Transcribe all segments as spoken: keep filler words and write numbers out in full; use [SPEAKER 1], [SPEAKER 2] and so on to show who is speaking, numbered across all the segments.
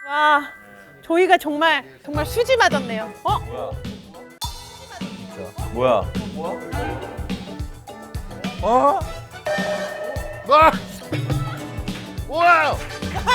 [SPEAKER 1] 와, 조이가 정말 정말 수지 맞았네요. 어?
[SPEAKER 2] 뭐야?
[SPEAKER 3] 어? 와! 와우!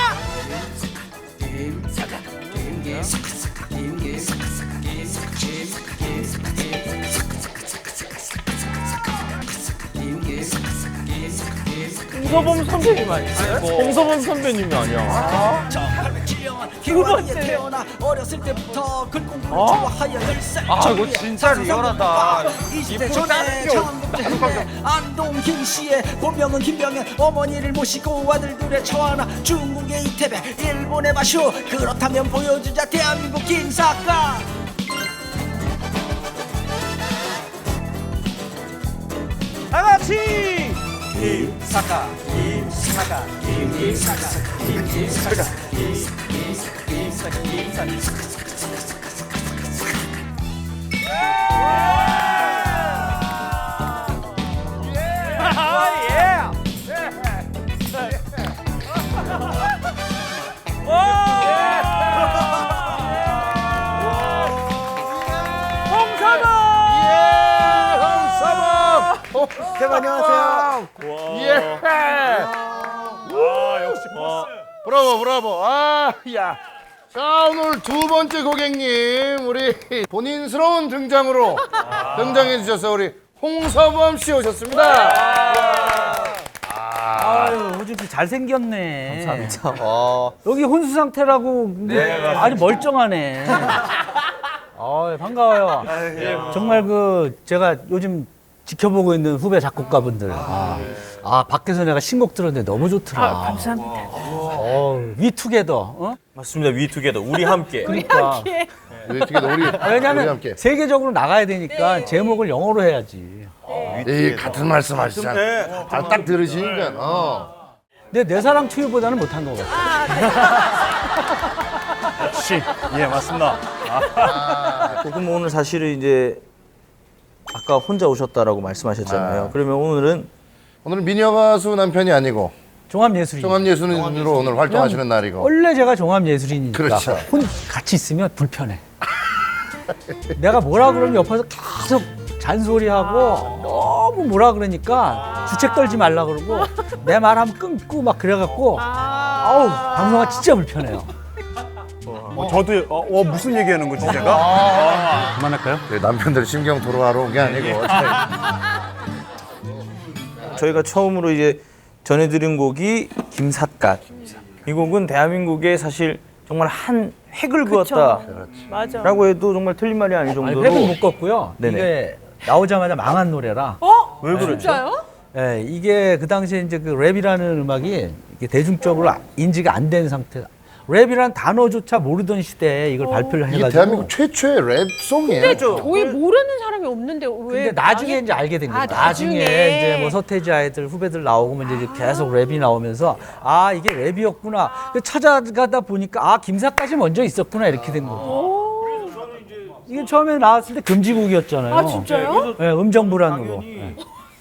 [SPEAKER 2] 홍서범 선배님 아니세요? 홍서범 선배님이 아니야.
[SPEAKER 1] 두 번째.
[SPEAKER 4] 어렸을 때부터 글공부를
[SPEAKER 2] 어?
[SPEAKER 4] 좋아하여 열살
[SPEAKER 2] 아, 이거 진짜 리얼하다.
[SPEAKER 4] 이십 대
[SPEAKER 2] 이
[SPEAKER 4] 초반에 청국대 안동김 씨의 본명은 김병현 어머니를 모시고 아들들의 처하나 중국의 이태백 일본의 마쇼 그렇다면 보여주자 대한민국 김사과
[SPEAKER 2] 다 같이.
[SPEAKER 4] 김사과 김사과 김사과 김사과 김사과 김사과
[SPEAKER 3] 대박 안녕하세요. 예.
[SPEAKER 2] 와, 역시 버스.
[SPEAKER 3] 브라보 브라보. 아, 야. 자, 오늘 두 번째 고객님 우리 본인스러운 등장으로 등장해 주셔서 우리 홍서범 씨 오셨습니다.
[SPEAKER 5] 아유, 호준 씨 잘생겼네.
[SPEAKER 2] 감사합니다. 어.
[SPEAKER 5] 여기 혼수 상태라고 근데 아주 멀쩡하네. 아, 반가워요. 정말 그 제가 요즘 지켜보고 있는 후배 작곡가분들. 아, 아 밖에서 내가 신곡 들었는데 너무 좋더라.
[SPEAKER 1] 아, 감사합니다.
[SPEAKER 5] 어, 위투게더. 어?
[SPEAKER 2] 맞습니다. 위투게더 우리 함께.
[SPEAKER 5] 그러니까.
[SPEAKER 3] 우리 어떻게 우리 우리
[SPEAKER 5] 왜냐면
[SPEAKER 3] 함께.
[SPEAKER 5] 세계적으로 나가야 되니까 제목을 영어로 해야지.
[SPEAKER 3] 이 같은 말씀 하시잖아. 아, 딱 들으시니까. 어.
[SPEAKER 5] 근데 내 사랑 투유보다는 못한 것 같아.
[SPEAKER 2] 역시. 예, 맞습니다.
[SPEAKER 6] 그럼 오늘 사실은 이제 아까 혼자 오셨다라고 말씀하셨잖아요.
[SPEAKER 3] 아.
[SPEAKER 6] 그러면 오늘은
[SPEAKER 3] 오늘은 미녀 가수 남편이 아니고
[SPEAKER 5] 종합예술인.
[SPEAKER 3] 종합예술인으로 오늘 활동하시는 날이고.
[SPEAKER 5] 원래 제가 종합예술인이니까
[SPEAKER 3] 그렇죠.
[SPEAKER 5] 혼 같이 있으면 불편해. 내가 뭐라 그러면 옆에서 계속 잔소리하고 너무 뭐라 그러니까 주책 떨지 말라 그러고 내 말하면 끊고 막 그래갖고 아우 방송가 진짜 불편해요.
[SPEAKER 7] 어, 저도 어, 어, 무슨 얘기하는 거지 제가?
[SPEAKER 5] 그만할까요?
[SPEAKER 3] 그 남편들 심경 토로하러 온 게 아니고.
[SPEAKER 6] 저희가 처음으로 이제 전해드린 곡이 김삿갓. 이 곡은 대한민국에 사실 정말 한 획을 그었다라고
[SPEAKER 1] 맞아.
[SPEAKER 6] 해도 정말 틀린 말이 아닐
[SPEAKER 5] 아니
[SPEAKER 6] 정도로.
[SPEAKER 5] 획을 묶었고요.
[SPEAKER 6] 네네.
[SPEAKER 5] 이게 나오자마자 망한 노래라.
[SPEAKER 1] 어?
[SPEAKER 6] 왜 그렇죠?
[SPEAKER 1] 진짜요?
[SPEAKER 5] 예, 이게 그 당시에 이제 그 랩이라는 음악이 이게 대중적으로 인지가 안 된 상태. 랩이라는 단어조차 모르던 시대에 이걸 발표를
[SPEAKER 3] 이게
[SPEAKER 5] 해가지고.
[SPEAKER 3] 대한민국 최초의 랩송이에요.
[SPEAKER 1] 조이 모르는 사람이 없는데 왜?
[SPEAKER 5] 근데 나중에
[SPEAKER 1] 망했-
[SPEAKER 5] 이제 알게 된 거예요.
[SPEAKER 1] 아,
[SPEAKER 5] 나중에,
[SPEAKER 1] 나중에.
[SPEAKER 5] 이제 뭐 서태지 아이들 후배들 나오고 이제 계속 랩이 나오면서 아 이게 랩이었구나. 찾아가다 보니까 아 김사까지 먼저 있었구나 이렇게 된 거죠. 이게 처음에 나왔을 때 금지곡이었잖아요.
[SPEAKER 1] 아 진짜요?
[SPEAKER 5] 네, 음정 불안으로. 네.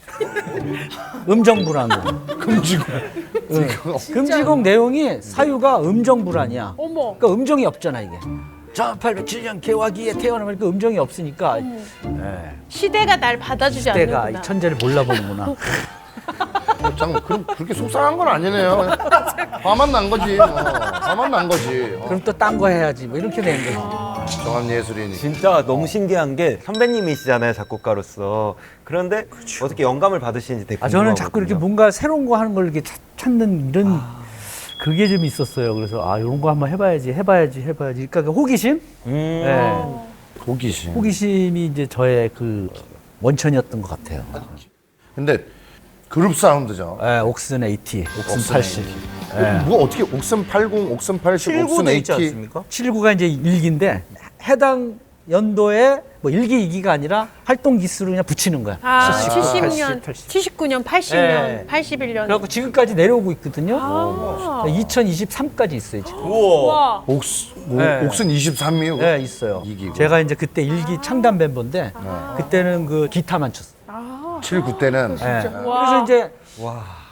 [SPEAKER 5] 음정 불안으로.
[SPEAKER 3] 금지곡.
[SPEAKER 5] 네. 금지곡 내용이 사유가 음정 불안이야.
[SPEAKER 1] 어머.
[SPEAKER 5] 그러니까 음정이 없잖아 이게. 천팔백칠 년 개화기에 태어나면 그 음정이 없으니까 네.
[SPEAKER 1] 시대가 날 받아주지
[SPEAKER 5] 내가 이
[SPEAKER 1] 않는구나.
[SPEAKER 5] 천재를 몰라보는구나.
[SPEAKER 3] 장 그럼 그렇게 속상한 건 아니네요. 화만 난 거지. 뭐. 화만 난 거지. 어.
[SPEAKER 5] 그럼 또 딴 거 해야지 뭐 이렇게 된 거지.
[SPEAKER 3] 종합예술인이.
[SPEAKER 8] 진짜 너무 신기한 게 선배님이시잖아요, 작곡가로서. 그런데 어떻게 영감을 받으시는지 되게
[SPEAKER 5] 아 저는
[SPEAKER 8] 궁금하거든요.
[SPEAKER 5] 자꾸 이렇게 뭔가 새로운 거 하는 걸 이렇게 찾- 찾는 이런 그게 좀 있었어요. 그래서 아 이런 거 한번 해봐야지, 해봐야지, 해봐야지. 그러니까 그 호기심,
[SPEAKER 8] 음.
[SPEAKER 5] 네.
[SPEAKER 3] 호기심.
[SPEAKER 5] 호기심이 이제 저의 그 원천이었던 것 같아요.
[SPEAKER 3] 근데 그룹 사운드죠.
[SPEAKER 5] 네, 옥슨 에이티, 옥슨
[SPEAKER 3] 옥슨
[SPEAKER 5] 팔십. 네.
[SPEAKER 3] 뭐 어떻게 옥슨 팔십, 옥슨 팔십, 옥슨
[SPEAKER 6] 칠구도 있지
[SPEAKER 3] 에이티.
[SPEAKER 6] 않습니까?
[SPEAKER 5] 칠구가 이제 일기인데 해당 연도에 뭐 일기 이기가 아니라 활동 기수로 그냥 붙이는 거야.
[SPEAKER 1] 아,
[SPEAKER 5] 칠십구,
[SPEAKER 1] 칠십 년,
[SPEAKER 5] 팔십, 팔십.
[SPEAKER 1] 칠십구 년, 팔십 년,
[SPEAKER 5] 네.
[SPEAKER 1] 팔십일 년.
[SPEAKER 5] 그래갖고 지금까지 내려오고 있거든요.
[SPEAKER 1] 아.
[SPEAKER 5] 이천이십삼까지 있어요 지금.
[SPEAKER 1] 와.
[SPEAKER 3] 옥스, 오,
[SPEAKER 5] 네.
[SPEAKER 3] 옥슨 이십삼이요?
[SPEAKER 5] 네 있어요.
[SPEAKER 3] 이기고.
[SPEAKER 5] 제가 이제 그때 일기 창단 멤버인데 그때는 그 기타만 쳤어요.
[SPEAKER 1] 아,
[SPEAKER 3] 칠구 때는
[SPEAKER 5] 네.
[SPEAKER 1] 와.
[SPEAKER 5] 그래서 이제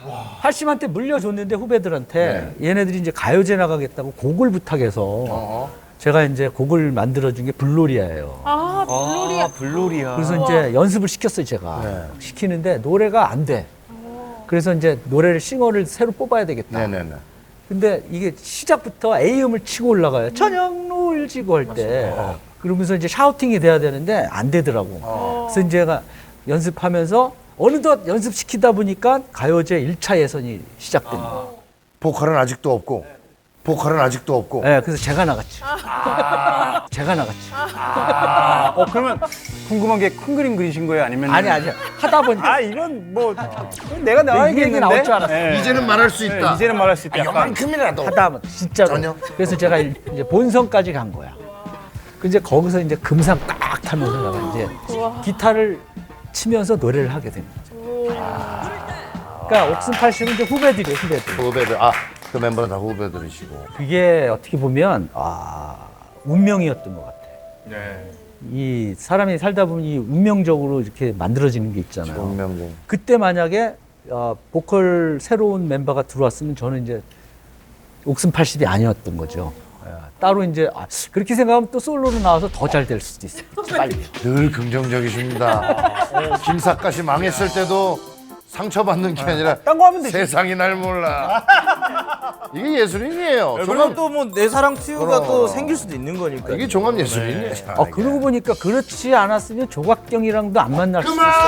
[SPEAKER 5] 팔십한테 물려줬는데 후배들한테 얘네들이 이제 가요제 나가겠다고 곡을 부탁해서 제가 이제 곡을 만들어준 게 블로리아예요.
[SPEAKER 1] 아, 블로리아.
[SPEAKER 6] 아, 블로리아.
[SPEAKER 5] 그래서 이제 연습을 시켰어요, 제가. 시키는데 노래가 안 돼. 그래서 이제 노래를 싱어를 새로 뽑아야 되겠다.
[SPEAKER 3] 네네네.
[SPEAKER 5] 근데 이게 시작부터 A음을 치고 올라가요. 저녁 노을 지고 할 때. 그러면서 이제 샤우팅이 돼야 되는데 안 되더라고. 그래서 이제 제가 연습하면서 어느덧 연습시키다 보니까 가요제 일 차 예선이 시작됩니다.
[SPEAKER 3] 보컬은 아직도 없고 보컬은 아직도 없고
[SPEAKER 5] 네, 그래서 제가 나갔죠. 제가 나갔죠.
[SPEAKER 7] 아, 어 그러면 궁금한 게 큰 그림 그리신 거예요? 아니면
[SPEAKER 5] 아니, 아니. 하다 보니까
[SPEAKER 7] 아 이건 뭐 내가 나와야겠는데.
[SPEAKER 5] 이 얘기 나올 줄 알았어.
[SPEAKER 7] 네.
[SPEAKER 3] 이제는 말할 수 있다.
[SPEAKER 7] 네, 이제는 말할 수 있다.
[SPEAKER 3] 아,
[SPEAKER 7] 약간.
[SPEAKER 3] 요만큼이라도
[SPEAKER 5] 하다 보면 진짜로.
[SPEAKER 3] 전혀?
[SPEAKER 5] 그래서 제가 일- 이제 본선까지 간 거야. 그 이제 거기서 이제 금상 딱 타면서 내가 이제 기타를 치면서 노래를 하게 됩니다. 그러니까 옥슨 팔십은 이제 후배들이에요, 후배들.
[SPEAKER 3] 후배들 아그 멤버는 다 후배들이시고
[SPEAKER 5] 그게 어떻게 보면 아 운명이었던 것 같아.
[SPEAKER 7] 네.
[SPEAKER 5] 이 사람이 살다 보면 이 운명적으로 이렇게 만들어지는 게 있잖아요.
[SPEAKER 3] 운명적인.
[SPEAKER 5] 그때 만약에 어, 보컬 새로운 멤버가 들어왔으면 저는 이제 옥슨 팔십이 아니었던 거죠. 예, 따로 이제 아, 그렇게 생각하면 또 솔로로 나와서 더 잘 될 수도 있어요. 빨리.
[SPEAKER 3] 늘 긍정적이십니다. 김삿갓이 망했을 때도 상처받는 게 아니라
[SPEAKER 7] 딴 거 하면 되지.
[SPEAKER 3] 세상이 날 몰라. 이게 예술인이에요.
[SPEAKER 6] 그럼
[SPEAKER 3] 종합,
[SPEAKER 6] 또 뭐 내 사랑 튜브가
[SPEAKER 3] 그럼.
[SPEAKER 6] 또 생길 수도 있는 거니까.
[SPEAKER 3] 이게 종합 예술이네.
[SPEAKER 5] 아, 그러고 보니까 그렇지 않았으면 조각경이랑도 안 만날 수 있어요.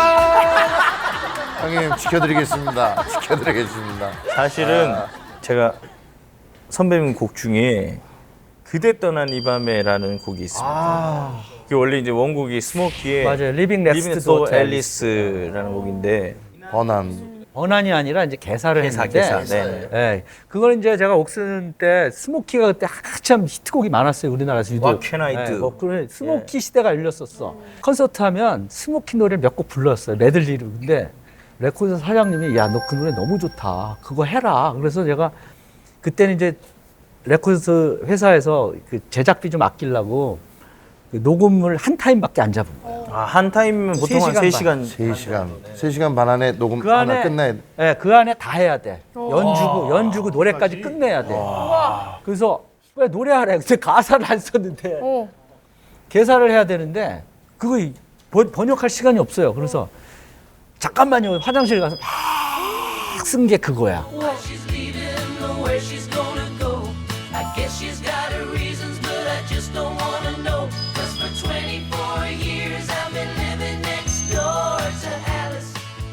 [SPEAKER 3] 형님 지켜드리겠습니다. 지켜드리겠습니다.
[SPEAKER 6] 사실은 제가 선배님 곡 중에 그대 떠난 이 밤에라는 곡이 있습니다. 그게 원래 이제 원곡이 스모키의
[SPEAKER 5] 맞아요. 리빙
[SPEAKER 6] 리빙
[SPEAKER 5] 넥스트
[SPEAKER 6] 또
[SPEAKER 5] 도
[SPEAKER 6] 앨리스라는 곡인데
[SPEAKER 3] 번안.
[SPEAKER 5] 번안이 아니라 이제 개사를
[SPEAKER 6] 개사,
[SPEAKER 5] 했는데
[SPEAKER 6] 개사, 네네.
[SPEAKER 5] 예, 그걸 이제 제가 옥슨 때 스모키가 그때 한참 히트곡이 많았어요, 우리나라에서 유독.
[SPEAKER 6] What Can I Do?
[SPEAKER 5] 예, 뭐 그런 스모키 시대가 열렸었어. 콘서트 하면 스모키 노래 몇 곡 불렀어요, 메들리로. 근데 레코드 사장님이 야, 너 그 노래 너무 좋다, 그거 해라. 그래서 제가 그때는 이제 레코드 회사에서 그 제작비 좀 아끼려고 그 녹음을 한 타임밖에 안 잡은 거예요.
[SPEAKER 6] 아, 한 타임이면 보통 한 세 시간.
[SPEAKER 3] 세 시간. 세 시간 반 안에 녹음
[SPEAKER 5] 그
[SPEAKER 3] 하나
[SPEAKER 5] 안에
[SPEAKER 3] 끝나야 돼.
[SPEAKER 5] 예, 그 안에 다 해야 돼. 연주고 연주고 노래까지 끝내야 돼. 그래서 왜 노래하래? 근데 가사를 안 썼는데
[SPEAKER 1] 어.
[SPEAKER 5] 개사를 해야 되는데 그거 이- 번, 번역할 시간이 없어요. 그래서 잠깐만요, 화장실 가서 막 쓴 게 그거야.
[SPEAKER 9] She's leaving, know where she's gonna go. I guess she's got her reasons, but I just don't wanna know. Cause for twenty-four years I've been living next door to Alice.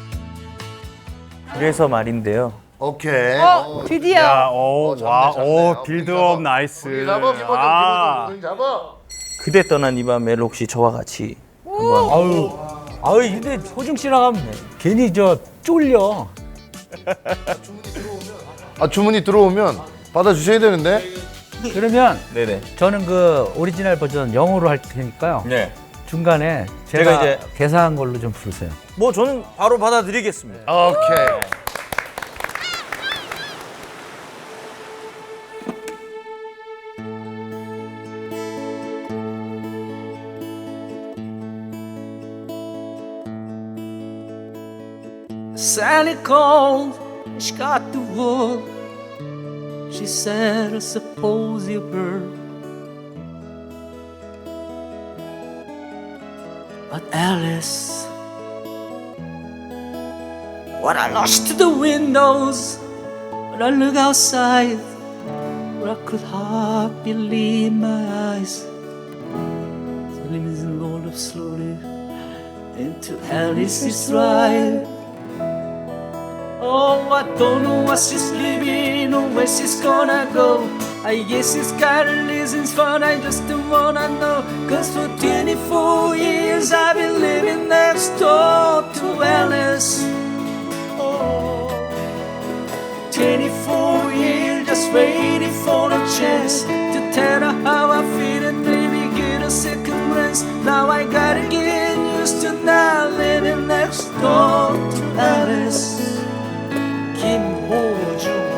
[SPEAKER 6] 그래서 말인데요.
[SPEAKER 3] 오케이.
[SPEAKER 1] 어, 드디어.
[SPEAKER 7] 야, 오,
[SPEAKER 3] 어,
[SPEAKER 7] 와,
[SPEAKER 3] 잡네,
[SPEAKER 7] 오,
[SPEAKER 3] 잡네.
[SPEAKER 7] 빌드업
[SPEAKER 3] 잡아.
[SPEAKER 7] 나이스.
[SPEAKER 3] 거기 잡아, 김호중,
[SPEAKER 7] 아,
[SPEAKER 3] 김호중, 잡아.
[SPEAKER 6] 그대 떠난 이 밤에 혹시 저와 같이 한번
[SPEAKER 5] 아유, 아유, 근데 호중 씨랑 하면 괜히 저 쫄려.
[SPEAKER 3] 아 주문이 들어오면 받아주셔야 되는데.
[SPEAKER 5] 그러면
[SPEAKER 6] 네네.
[SPEAKER 5] 저는 그 오리지널 버전 영어로 할 테니까요.
[SPEAKER 6] 네.
[SPEAKER 5] 중간에 제가,
[SPEAKER 6] 제가 이제-
[SPEAKER 5] 개사한 걸로 좀 부르세요.
[SPEAKER 6] 뭐 저는 바로 받아드리겠습니다.
[SPEAKER 3] 오케이.
[SPEAKER 4] Sally called, she got the wood. She said, I suppose you heard. But Alice, when I lost to the windows, when I look outside, where I could hardly believe my eyes. The limousine rolled up slowly into Alice's ride. Oh, I don't know what she's living or where she's gonna go. I guess she's got her reasons, but I just don't wanna know. Cause for twenty-four years I've been living next door to Alice. Oh, twenty-four years just waiting for a chance to tell her how I feel and maybe get a second glance. Now I gotta get used to not living next door to Alice. 김호중.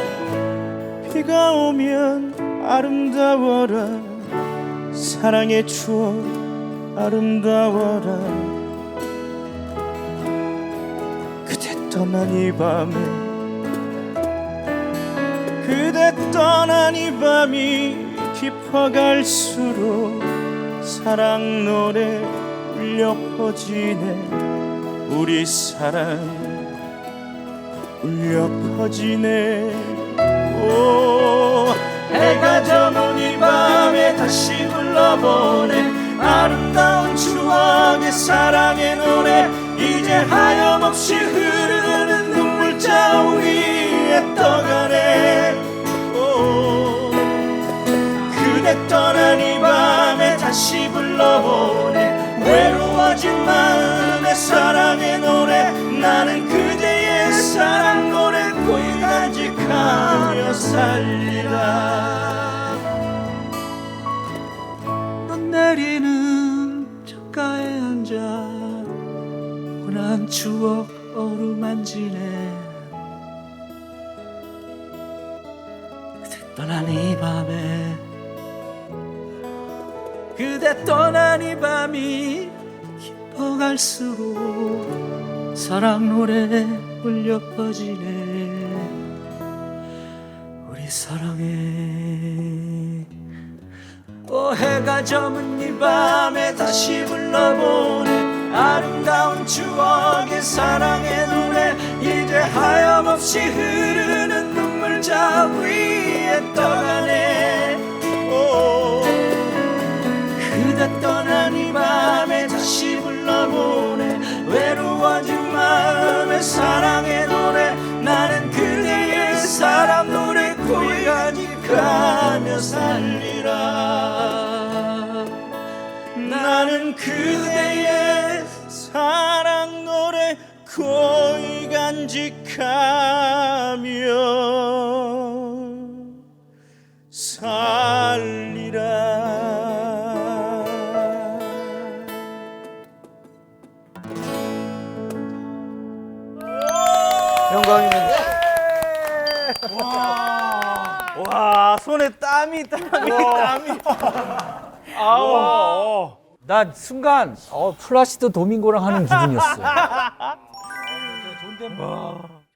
[SPEAKER 6] 비가 오면 아름다워라 사랑의 추억 아름다워라 그대 떠난 이 밤에 그대 떠난 이 밤이 깊어갈수록 사랑 노래 울려 퍼지네. 우리 사랑 울려 퍼지네. 오, 해가 저문 이 밤에 다시 불러보네. 아름다운 추억의 사랑의 노래. 이제 하염없이 흐르는 눈물자 위에 떠가네. 오, 그대 떠난 이 밤에 다시 불러보네. 외로워진 마음의 사랑의 노래. 나는 그대의 사랑 노래 고이 간직하며 살리라. 넌 내리는 창가에 앉아 혼한 추억 어루만지네. 그대 떠난 이 밤에 그대 떠난 이 밤이 깊어갈수록 사랑 노래 울려 퍼지네. 우리 사랑해. 오, 해가 저문 이 밤에 다시 불러보네. 아름다운 추억의 사랑의 노래. 이제 하염없이 흐르는 눈물자 위에 떠가네. 오, 그대 떠난 이 밤에 다시 불러보네. 외로워진 마음의 사랑의 노래. 나는 그대의 사랑 노래 고이 간직하며 살리라. 나는 그대의 사랑 노래 고이 간직하며 살리라.
[SPEAKER 8] 영광입니다.
[SPEAKER 6] 와, 손에 땀이 땀이 땀이. 아우.
[SPEAKER 5] 나 순간 어, 플라시도 도밍고랑 하는 기분이었어. 존댓말.